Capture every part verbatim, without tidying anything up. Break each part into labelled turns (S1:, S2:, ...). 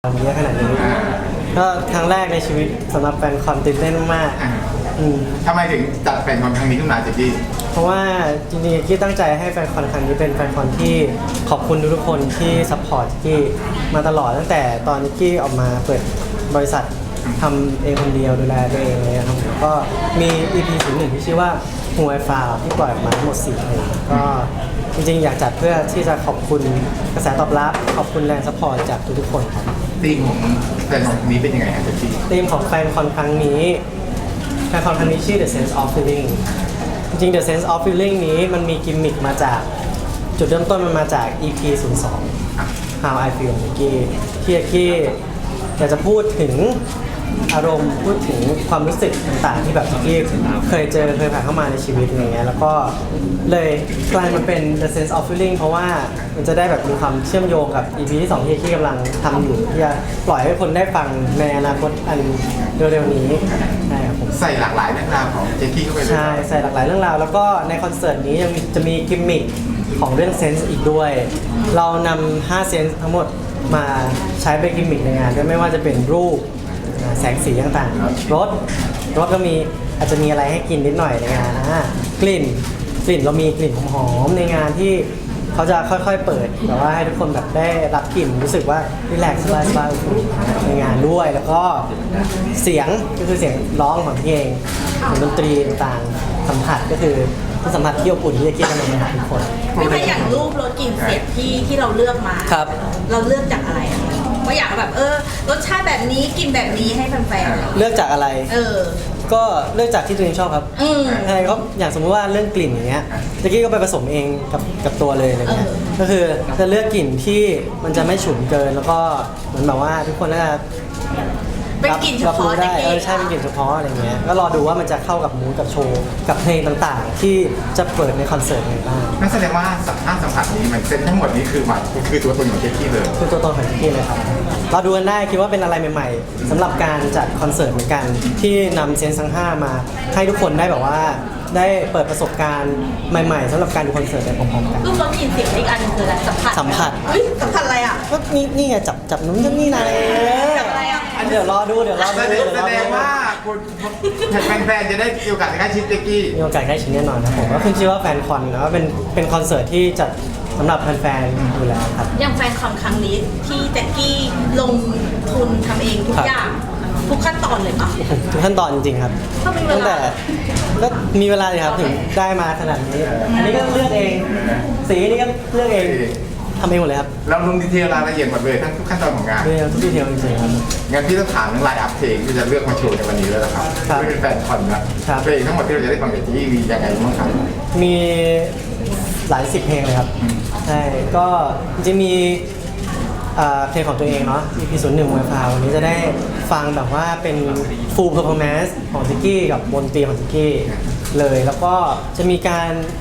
S1: เยอะขนาดนี้ก็ครั้งแรกในชีวิตสำหรับแฟนคอนตื่นเต้นมากอืม
S2: ทำไมถึงจัดแฟนคอนครั้งนี้ขึ้นมาเจกี้
S1: เพราะว่าจริงๆกี้ตั้งใจให้แฟนคอนครั้งนี้เป็นแฟนคอนที่ขอบคุณทุกๆคนที่ซัพพอร์ตกี้มาตลอดตั้งแต่ตอนกี้ออกมาเปิดบริษัททำเองคนเดียวดูแลตัวเองเลยครับแล้วก็มี อี พี ศูนย์หนึ่งที่ชื่อว่าหัวไอฟาวที่ปล่อยออกมาทั้งหมดสี่เพลงก็จริงๆอยากจัดเพื่อที่จะขอบคุณกระแสตอบรับขอบคุณแรงซัพพอร์ตจากทุกๆคนครับ
S2: ธีมของแฟนคอนนี้เป็นยังไงครับเจกี้
S1: ธีมของแฟนคอนครั้งนี้แฟนคอนครั้งนี้ชื่อ The Sense of Feeling จริงๆ The Sense of Feeling นี้มันมีกิมมิคมาจากจุดเริ่มต้นมันมาจาก อี พี ศูนย์สอง How I Feel ของกี้ที่กี้อยากจะพูดถึงอารมณ์พูดถึงความรู้สึกต่างๆที่แบบที่เคยเจอเคยผ่านเข้ามาในชีวิตอะไรเงี้ยแล้วก็เลยกลายมาเป็น The Sense of Feeling เพราะว่ามันจะได้แบบมีความเชื่อมโยงกับ อี พี ที่สองที่ที่กำลังทำอยู่ที่จะปล่อยให้คนได้ฟังในอนาคตอันเร็วๆนี้ใช่ครับผม
S2: ใส่หลากหลายเรื่องราวของเจกี้เข้าไปเลย
S1: ใช่ใส่หลากหลายเรื่องราวแล้วก็ในคอนเสิร์ตนี้ยังจะมีกิมมิคของเรื่องเซนส์อีกด้วยเรานำห้าเซนส์ทั้งหมดมาใช้เป็นกิมมิคในงานด้วยไม่ว่าจะเป็นรูปแสงสีต่างๆรสรสก็มีอาจจะมีอะไรให้กินนิดหน่อยในงานนะกลิ่นกลิ่นเรามีกลิ่นหอมๆในงานที่เขาจะค่อยๆเปิดแบบว่าให้ทุกคนแบบได้รับกลิ่นรู้สึกว่ารีแลกซ์สบายๆในงานด้วยแล้วก็เสียงก็คือเสียงร้องของพี่เองดนตรีต่างๆสัมผัสก็คือสัมผัสที่อบอุ่นที่จะเกี่ยวกันในงานทุกคน
S3: ไม่ใช่อย่างรูปรสกลิ่นเสียงที่ที่เราเลือกมา
S1: ครับ
S3: เราเลือกจากอะไรว่าอยากแบบเออรสชาติแบบนี้กินแบบนี้ให้แฟน
S1: ๆเลือกจากอะไร
S3: เออ
S1: ก็เลือกจากที่ตัวเองชอบครับอะไรก็อย่างสมมติว่าเรื่องกลิ่นอย่างเงี้ยตะกี้ก็ไปผสมเองกับกับตัวเลยอะไรเงี้ยก็คือจะเลือกกลิ่นที่มันจะไม่ฉุนเกินแล้วก็เหมือนแบบว่าทุกคนน่าจะ
S3: เป็นกลิ่นเฉพาะ
S1: ได้เออใช่เป็นกลิ่นเฉพาะอะไรเงี้ยก็รอดูว่ามันจะเข้ากับมูดกับโชว์กับเพลงต่างๆที่จะเปิดในคอนเสิร์ตไงบ้าง
S2: นั่นแสดงว่าห้าสัมผัสนี้มันเซ็ตทั้งหมดนี้คือมันคือตัวตนของเจกี้เลย
S1: คือตัวตนของเจกี้เลยครับเราดูกันได้คิดว่าเป็นอะไรใหม่ๆสำหรับการจัดคอนเสิร์ตเหมือนกันที่นำเซนส์ทั้งห้ามาให้ทุกคนได้แบบว่าได้เปิดประสบการณ์ใหม่ๆสำหรับการดูคอนเสิร์ตไปพร้อมๆกัน
S3: รูปรสกลิ่นเสียงอีกอันคืออะไรสัมผัส
S1: สัมผัส
S3: อุ้ยสัมผัสอะไรอ่ะ
S1: ก็นี่นี่ไงจับจับนู้นจับนี่นะ
S3: อะไรอ่ะ
S1: เดี๋ยวรอดูเดี๋ยวรอดู
S2: แสดงว่าคุณแฟนๆจะได้มีโอกาสใกล้ชิดเจกี้
S1: มีโอกาสใกล้ชิดแน่นอนครับผมก็ขึ้นชื่อว่าแฟนคอนนะว่าเป็นเป็นคอนเสิร์ตที่จัดสำหรับแฟนๆอยู่แล้วครับ
S3: อย่างแฟนคอนครั้งนี้ที่แจ็คกี้ลงทุนทำเองทุกอย่างทุกขั้นตอนเลยปะ
S1: ทุกขั้นตอนจริงๆครับตั้งแต่ก็มีเวลาเลยครับถึงได้มาขนาดนี้อันนี้ก็เลือกเองสีนี้ก็เลือกเองทำเองหมดเลยครับ
S2: เราลงดีเทลรายละเอียดหมดเลยทั้งทุกขั้นตอนของงาน
S1: เรื่องทุกดีเทลจริงๆครับ
S2: งั้นพี่ต้องถามเรื่องไลน์อัพเพลงที่จะเลือกมาโชว์ในวันนี้แล้วนะครับไม่เป็นแฟนคอนนะเพลงทั้งหมดที่เราจะได้ฟังจากที่มียังไงบ้างครับ
S1: มีหลายสิบเพลงเลยครับใช่ก็จะมีเพลงของตัวเองเนาะ อี พี ศูนย์หนึ่ง มวยฟาววันนี้จะได้ฟังแบบว่าเป็น full performance ของจิกกี้กับบนตรีของจิกกี้เลยแล้วก็จะมีการ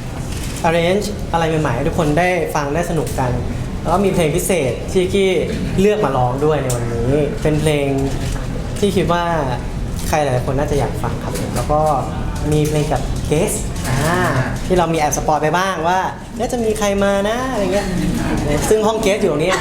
S1: arrange อะไรใหม่ๆให้ทุกคนได้ฟังได้สนุกกันแล้วก็มีเพลงพิเศษที่จิกกี้เลือกมาร้องด้วยในวันนี้เป็นเพลงที่คิดว่าใครหลายคนน่าจะอยากฟังครับแล้วก็มีเพลงกับเกสที่เรามีแอบสปอยไปบ้างว่าน่าจะมีใครมานะอะไรเงี้ยซึ่งห้องเกสอยู่ตรงนี้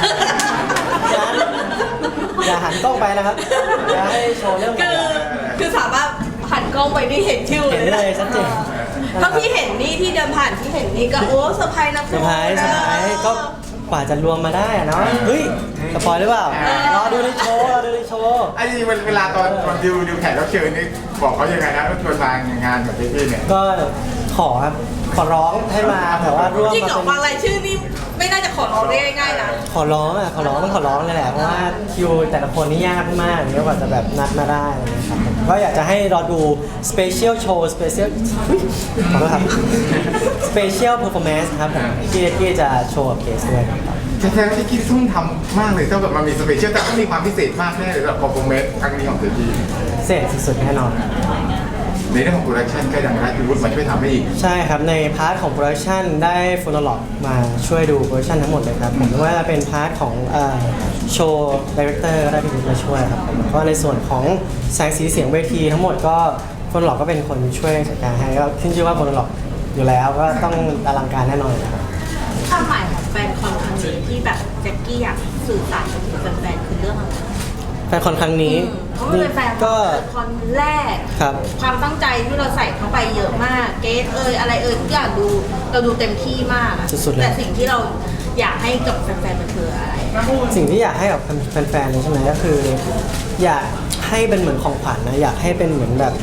S1: อย่าหันกล้องไปนะครับอย่าให้โชว์เรื่อง
S3: คือคือสามารถหันกล้องไปนี่เห็นชื่อ
S1: เลยเลยชัดเจน
S3: ถ้าพี่เห็นนี่ที่เดินผ่านที่เห็นนี่ก็โอ้เซอร์ไพรส์นะ
S1: เซอร์ไพรส์เซอร์ไพรส์ก็กว่าจะรวมมาได้อะเนาะเฮ้ยสปอยหรือเปล่ารอดูในโชว์รอดูในโชว์
S2: ไอ้นี่เวลาตอนตอนดิวดิวแขกรับเชิญนี่บอกเขายังไงนะว่าชวนมางานแบบพี่เนี่ย
S1: ก็ขอครับขอร้องให้มาแต่ว่าร่วม
S3: จริงเหรอบางรายชื่อนี่ไม่น่าจะขอร้องได้ง่ายๆนะ
S1: ขอร้องอ่ะขอร้องต้องขอร้องเลยแหละเพราะว่าคิวแต่ละคนนี่ยากมากเยอะกว่าจะแบบนัดมาได้นะครับก็อยากจะให้รอดูสเปเชียลโชว์สเปเชียลขอโทษครับสเปเชียลเพอร์ฟอร์แมนซ์ครับผมที่ที่จะโชว์กับเคสด้วย
S2: แท้ๆที่คิดทุ่มทำมากเลยเท่ากับมันมีสเปเชียลแต่ก็มีความพิเศษมากแน่เลยสำหรับเพอร์ฟอร์แมนซ์ครั้งนี้ของเจกี้
S1: พิเศษสุดๆแน่นอน
S2: ในเรื่องของโปรดักชันก็ยังได้พี่วุฒิมาช่วยทำให้อีก
S1: ใช่ครับในพาร์ทของโปรดักชันได้โฟโนโลกมาช่วยดูโปรดักชันทั้งหมดเลยครับผมว่าเป็นพาร์ทของโชว์ดีเรคเตอร์ได้พี่วุฒิมาช่วยครับผมก็ในส่วนของแสงสีเสียงเวทีทั้งหมดก็โฟโนโลกก็เป็นคนช่วยจัดการให้ก็ขึ้นชื่อว่าโฟโนโลกอยู่แล้วก็ต้องอลังการแน่นอนครับ
S3: ความหมายของแฟนคอนครั้งนี้ที่แบบแจ็คกี้อยากสื่อสารกับแฟนๆคือเรื่องอะไร
S1: แฟนคอนครั้งนี้
S3: เพราะมันเป็นแฟน
S1: ก็
S3: คอนแรก
S1: ครับ
S3: ความตั้งใจที่เราใส่เข้าไปเยอะมากเกสเอยอะไรเอยทุกอย่างดูเราดูเต็มที่มากอะ
S1: สุดๆเลย
S3: แต่สิ่งที่เราอยากให้กับแฟนๆมันคืออะไร
S1: สิ่งที่อยากให้กับแฟนๆเลยใช่ไหมก็คือ อยากให้เป็นเหมือนของขวัญนะอยากให้เป็นเหมือนแบบ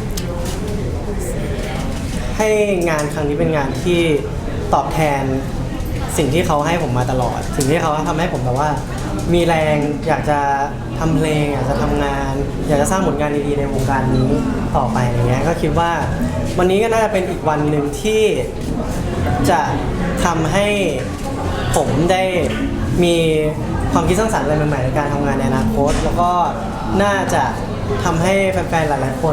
S1: ให้งานครั้งนี้เป็นงานที่ตอบแทนสิ่งที่เขาให้ผมมาตลอด สิ่งที่เขาทำให้ผมแบบว่า มีแรงอยากจะทำเพลงอยากจะทำงาน อยากจะสร้างผลงานดีๆในวงการนี้ต่อไปอย่างเงี้ยก็คิดว่าวันนี้ก็น่าจะเป็นอีกวันหนึ่งที่จะทำให้ผมได้มีความคิดสร้างสรรค์อะไรใหม่ๆในการทำงานในอนาคต แล้วก็น่าจะทำให้แฟนๆหลายๆคน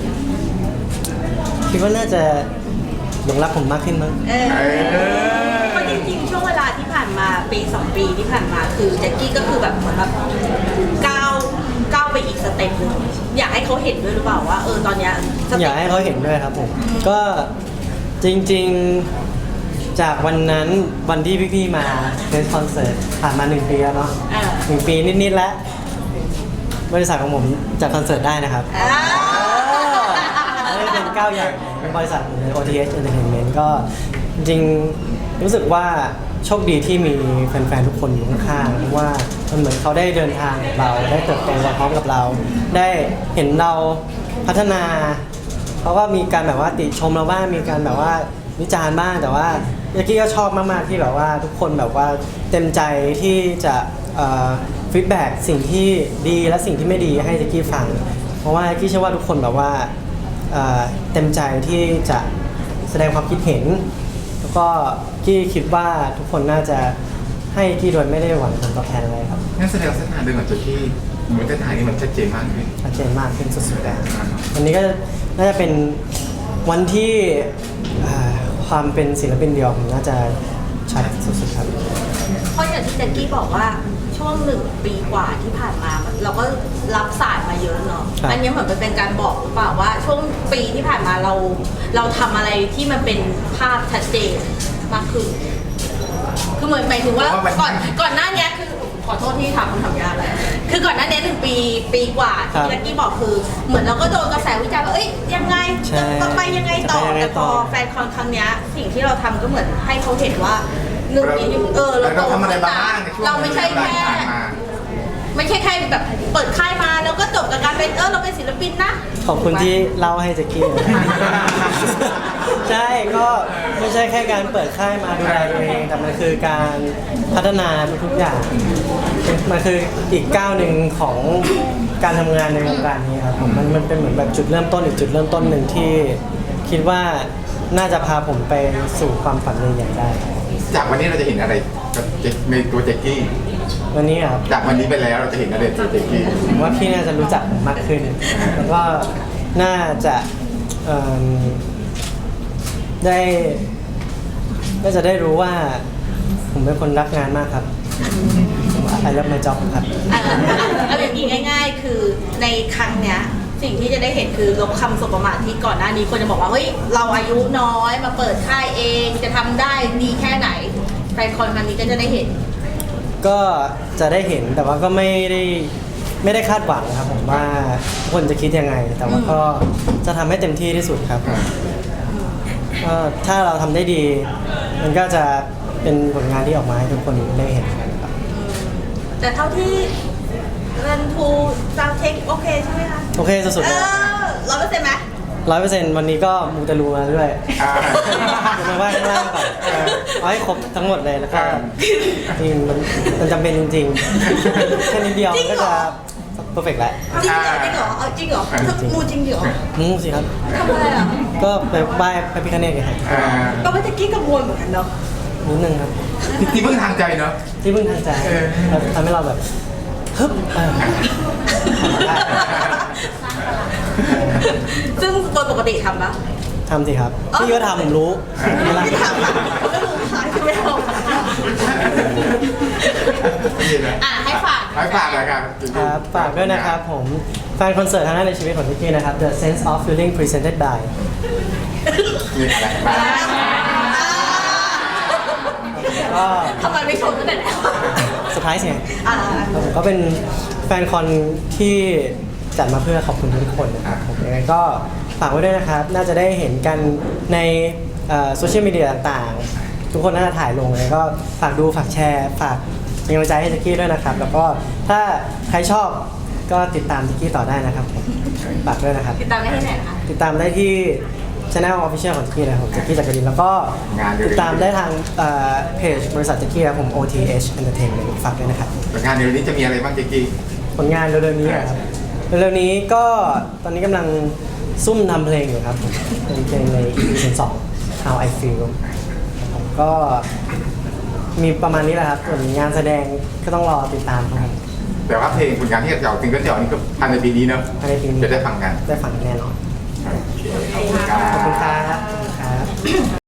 S1: คิดว่าน่าจะหลงรักผมมากขึ้นมั้ง
S3: เออเพราะจริงๆช่วงเวลาที่ผ่านมาปีสองปีที่ผ่านมาคือแจ็คกี้ก็คือแบบเหมือนแบบก้าวก้าวไปอีกสเต็ปหนึงอยากให้เขาเห็นด้วยหรือเปล่าว่าเออตอนเนี้ยส
S1: อ
S3: เต็
S1: ยาก
S3: ป
S1: ให้เขาเห็นด้วยครับผม ก็จริงๆจากวันนั้นวันที่พี่ๆมาเล่นคอนเสิร์ตผ่านมาหนึ่งปีแล้วเนาะ
S3: เออ
S1: หนึ่งปีนิดๆแล้ว บริษัทของผมจัดคอนเสิร์ตได้นะครับ
S3: อ่า
S1: นี่เป็นก้าวใหญ่ของบริษัทใน โอ ที เอช Entertainment ก็จริงๆรู้สึกว่าโชคดีที่มีแฟนๆทุกคนอยู่ข้างๆเพราะว่ามันเหมือนเขาได้เดินทางกับเราได้เติบโตมาพร้อมกับเรา ได้เห็นเราพัฒนาเขาก็มีการแบบว่าติชมเราบ้างมีการแบบว่าวิจารณ์บ้างแต่ว่าเมื่อกี้ก็ชอบมากๆที่แบบว่าทุกคนแบบว่าเต็มใจที่จะฟีดแบ็กสิ่งที่ดีและสิ่งที่ไม่ดีให้แจ็คกี้ฟัง เพราะว่าแจ็คกี้เชื่อว่าทุกคนแบบว่าเอ่อเต็มใจที่จะแสดงความคิดเห็น แล้วก็กี้คิดว่าทุกคนน่าจะให้กี้โดยไม่ได้หวังผลตอบแทนอะไรครับ
S2: งั้นแสดงเส้นทางเดินของโจกี้เหมือนเส้นทางนี้มันชัดเจนมากขึ้น
S1: ชัดเจนมากขึ้นสุดๆแล้ววันนี้ก็น่าจะเป็นวันที่เอ่อความเป็นศิลปินเดี่ยวผมน่าจะชัดสุดๆครับ
S3: เพราะอย่างที่แจ็คกี้บอกว่าช่วงหนึ่งปีกว่าที่ผ่านมาเราก็รับสายมาเยอะเนาะ
S1: ครับ
S3: อันนี้เหมือนเป็นการบอกหรือเปล่าว่าช่วงปีที่ผ่านมาเราเราทำอะไรที่มันเป็นภาพชัดเจนมากขึ้น คือเหมือนหมายถึงว่าก่อนก่อนหน้านี้คือขอโทษที่ถามคำถามยากเลยคือก่อนหน้านี้หนึ่งปีปีกว่าที่แจ็คกี้บอกคือ เหมือนเราก็โดนกระแสวิจารณ์ว่าเอ้ยยังไงจะต้องไปยังไงต่อแต่พอแฟนคอนครั้งนี้สิ่งที่เราทำก็เหมือนให้เขาเห็นว่าหนึ่งปีที่เออเราโต
S2: เราทำอะไร
S3: ขึ้น
S2: บ้าง
S3: นะ
S2: ในช่วง
S3: เราไม่ใช่
S2: เวลา
S3: แค่
S2: ที่ผ่านมา
S3: ไม่ใช่แค่แบบเปิดค่ายมาแล้วก็จบกับการเป็นเออเราเป็นศิลปินนะ
S1: ขอบคุณที่เล่าให้แจ็คกี้ ใช่ก็ไม่ใช่แค่การเปิดค่ายมาดูแลตัวเองแต่มันคือการพัฒนาทุกๆอย่างมันคืออีกก้าวหนึ่งของการทำงานในวงการนี้ครับผมมันมันเป็นเหมือนแบบจุดเริ่มต้นอีกจุดเริ่มต้นหนึ่งที่คิดว่าน่าจะพาผมไปสู่ความฝันใหญ่ๆได้
S2: จากวันนี้เราจะเห็นอะไรกับเจในตัวแจ็คกี้
S1: วันนี้ครับ
S2: จากวันนี้ไปแล้วเราจะเห็นอะไรในตัวแจ็คกี้
S1: ผมว่าพี่น่าจะรู้จักผมมากขึ้น แล้วก็น่าจะเอิ่มได้น่าจะได้รู้ว่า ผมเป็นคนรักงานมากครับไอเลิฟไมจ็อบครับ
S3: อ่ะเอาอย่างนี้ง่าย ๆ คือในครั้งเนี้ยสิ่งที่จะได้เห็นคือลบคำสบประมาทที่ก่อนหน้านี้คนจะบอกว่าเฮ้ยเราอายุน้อยมาเปิดค่ายเองจะทำได้ดีแค่ไหนแฟนคอนครั้งนี้ก็จะได้เห็น
S1: ก็จะได้เห็นแต่ว่าก็ไม่ได้ไม่ได้คาดหวังครับผมว่าทุกคนจะคิดยังไง แต่ว่าก็จะทำให้เต็มที่ที่สุดครับก็ถ้าเราทำได้ดี มันก็จะเป็นผลงานที่ออกมาให้ทุกคนได้เห็นครับ
S3: แต่เท่าที่เรนทูซาวเทคโอเคใช่ไหมคะ
S1: โอเคสุดๆ
S3: เอ
S1: เลย
S3: อร้อยเปอร์เซ็นต์ไหม
S1: ร้อยเปอร์เซ็นต์วันนี้ก็มูเตลูมาด้วย
S2: อ่า
S1: มาว่าข้างล่างก่อนเอาให้ครบทั้งหมดเลยแล้วก็จริงมันมันจำเป็นจริงๆแค่นิดเดียวมันก็จะเพอร์เฟกต์แล้ว
S3: จริงเหรอจริงเหรอเอาจริงเหรอมูจริงเหรอ
S1: มูสิครับ
S3: ทำอะไรอ่ะ
S1: ก็ไปไหว้พระพิฆเนศไงครับ
S2: อ่า
S3: ก็ไม่ตะกี้กังวลเหมือนกันเนาะ
S1: นิดนึงครับ
S2: ที่พึ่งทางใจเนาะ
S1: ที่พึ่งทางใจ
S2: เออ
S1: เราทำให้เราแบบฮึบเออทำได้
S3: ซึ่งโดยปกติทำปะ
S1: ทำสิครับพี่ก็ทำผมรู้ไม่ละ
S3: ไม่ทำอ่ะผมก็รู้ค่ะที่ไม่ทำ
S2: นี่นะ
S3: อ่ะให้ฝาก
S2: ให้ฝากรายการ
S1: ครับฝากด้วยนะครับผมแฟนคอนเสิร์ตครั้งแรกในชีวิตของพี่กี้นะครับ The Sense of Feeling Presented by
S2: นี่อะไรบ้าง
S1: กก็
S3: ทำไมไม่ชมตั้งแต่แล้ว
S1: เซอร์ไพรส์ไง
S3: อ่า
S1: ครับผมก็เป็นแฟนคอนที่จัดมาเพื่อขอบคุณทุกคนนะครับผมยังไงก็ฝากไว้ด้วยนะครับ น่าจะได้เห็นกันในโซเชียลมีเดียต่างๆ ทุกคนน่าจะถ่ายลงเลยก็ฝากดูฝากแชร์ฝากเป็นกำลังใจให้แจ็คกี้ด้วยนะครับ แล้วก็ถ้าใครชอบก็ติดตามแจ็คกี้ต่อได้นะครับผมฝากด้วยนะครับ
S3: ติดตามได้ที่ไหนนะคะ
S1: ติดตามได้ที่channel official ของแจ็คกี้นะครับผมแจ็คกี้จักรินแล้วก็ติดตามได้ทางเพจบริษัทแจ็คกี้ครับผม โอ ที เอช Entertainment ฝากด้วยนะครับ
S2: งานเดี๋ยวนี้จะมีอะไรบ้างเจ๊กี้
S1: ผลงานเร็วๆนี้ครับเร็วๆนี้ก็ตอนนี้กำลังซุ่มทำเพลงอยู่ครับผมเป็นเพลงใน อี พี สอง How I Feel ผมก็มีประมาณนี้แหละครับส่วนงานแสดงก็ต้องรอติดตามครับ
S2: แต่ว่าเพลงผลงานที่จะออกซิงเกิลจะออกนี่ก็ภายในปีนี้เนอะ
S1: ภายในปีนี้
S2: จะได้ฟังกัน
S1: ได้ฟังแน่นอน
S2: โอเค
S3: ขอบคุณค่ะ
S1: ขอบคุณครับขอบคุณครับ